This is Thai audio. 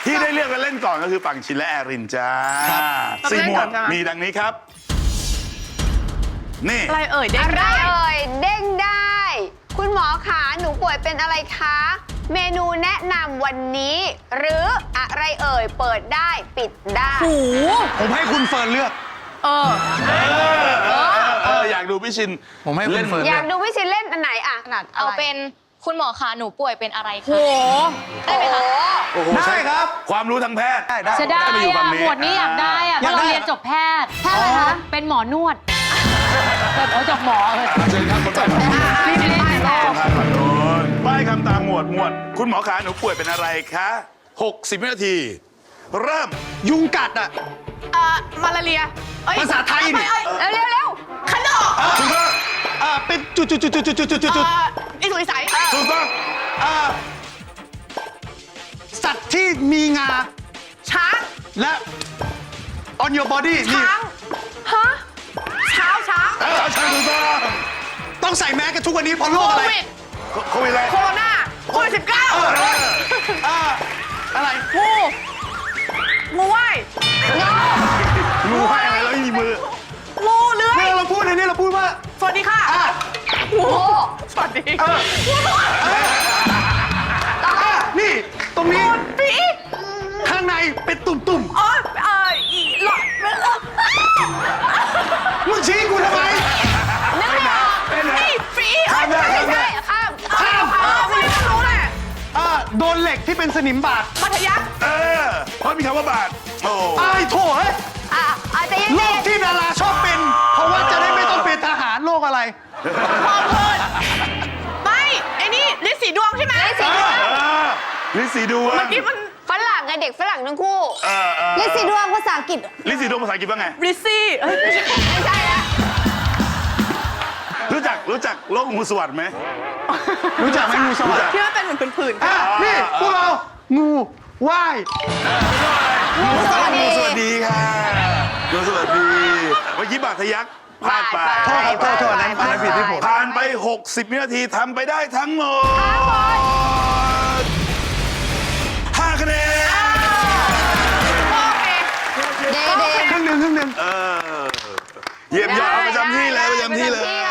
ที่ได้เลือกและเล่นก่อนก็คือฝั่งชินและแอรินจ้าสี่หมวดมีดังนี้ครับนี่อะไรเอ่ยเด้งอะไรได้เอ่ยเด้งได้ คุณหมอขาหนูป่วยเป็นอะไรคะ เมนูแนะนำวันนี้ หรืออะไรเอ่ยเปิดได้ปิดได้หูผมให้คุณเฟิร์นเลือกอยากดูพี่ชินผมให้คุณเฟิร์นอยากดูพี่ชินเล่นอันไหนอะถนัดเอาเป็นคุณหมอคะหนูป่วยเป็นอะไรโหคะได้ไหมคะโอ้โหได้ครับความรู้ทางแพทย์ได้จะได้มาอยู่ฝั่อะงนี้หมวดนี้อยากได้อะเพราะเราเรียนจบแพทย์แพทย์อะไรคะเป็นหมอนวดแต่จบหมอเลยเชิญครับคนต่อไปรีบเล่นแล้วทางฝั่งโน้นป้ายคำตามหมวดคุณหมอขาหนูป่วยเป็นอะไรคะ60 วินาที เริ่มยุงกัดอ่ะมาลาเรียเอ้ยภาษาไทยนี่เร็วเร็วขนมถูกต้องเป็นจุดอีสุยใสถูกต้องสัตว์ที่มีงาช้างและ on your body นี่ช้างฮะช้างใช่ถูกต้องต้องใส่แมสกันทุกวันนี้เพราะโรโคคอะไรวิดโควิดอะไรโคโรนาโควิด19 อะไรงูว่ายงูให้อะไรแล้วมีมืองูเลื้อยเนี่ยเราพูดในนี้เราพูดว่าสวัสดีค่ะงูสวัสดีนี่ ตรงนี้ปีข้างในเป็นตุ่มอ๋ออีหลอดๆมึงชี้กูทำไมนึกไม่ออกเป็นอะไรนี่ปีข้ามได้ไม่ข้ามได้ใช่ข้ามไม่รู้แหละโดนเหล็กที่เป็นสนิมบาดมัธยัสถ์เพราะมีคำว่าบาทโอ้ไอ้โถเฮ้ยอาจจะยังโรไงคที่ดาราชอบเป็น เพราะว่าจะได้ไม่ต้องเป็นทหารโรคอะไรพอเพลินไม่ไอ้นี่ลิสีดวงใช่ไหมลิสีดวงเมื่อกี้มันฝรั่งไงเด็กฝรั่งทั้งคู่ลิซซี่ดวงภาษาอังกฤษลิสีดวงภาษาอังกฤษว่าไงริซี่เอ้ยไม่ใช่ไม่ใช่แล้วรู้จักโรคงูสวัสด์ไหมรู้จักไหมงูสวัสดิ์ที่มันเป็นเหมือนผื่นนี่พวกเรางูว่ายงูสวัสดีค่ะงูสวัสดีเมื่อกี้บาดทะยักพลาดไปโทษอันนั้นผิดที่ผมผ่านไป 60 วินาทีทำไปได้ทั้งหมด5 คะแนนเดครึ่งหนึ่งเยี่ยมยอดประจำที่เลยประจำที่เลย